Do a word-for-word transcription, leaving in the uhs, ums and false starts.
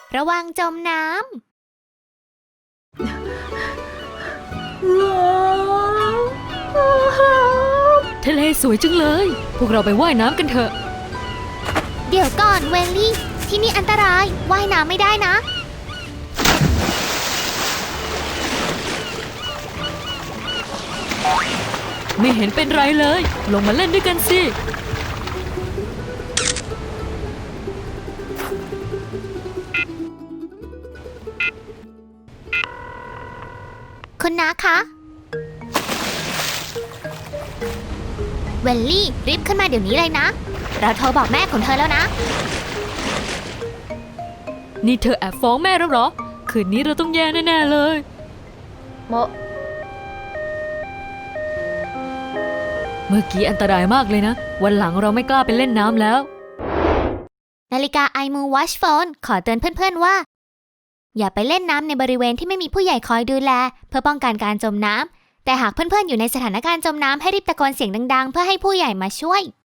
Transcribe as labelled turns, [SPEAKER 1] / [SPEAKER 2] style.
[SPEAKER 1] ระวังจมน้
[SPEAKER 2] ทะเลสวยจังเลยพวกเราไปว่ายน้ำกันเถอะ
[SPEAKER 1] ำเดี๋ยวก่อนเวลลี่ที่นี่อันตรายว่ายน้ำไม่ได้นะ
[SPEAKER 2] ไม่เห็นเป็นไรเลยลงมาเล่นด้วยกันสิ
[SPEAKER 1] คุณน้าคะเวลลี่รีบขึ้นมาเดี๋ยวนี้เลยนะเราโทรบอกแม่ของเธอแล้วนะ
[SPEAKER 2] นี่เธอแอบฟ้องแม่แล้วเหรอคืนนี้เราต้องแย่แน่ๆเลยโมเมื่อกี้อันตรายมากเลยนะวันหลังเราไม่กล้าไปเล่นน้ำแล้ว
[SPEAKER 1] นาฬิกา iMove Watch Phone ขอเตือนเพื่อนๆว่าอย่าไปเล่นน้ำในบริเวณที่ไม่มีผู้ใหญ่คอยดูแลเพื่อป้องกันการจมน้ำแต่หากเพื่อนๆอยู่ในสถานการณ์จมน้ำให้รีบตะโกนเสียงดังๆเพื่อให้ผู้ใหญ่มาช่วย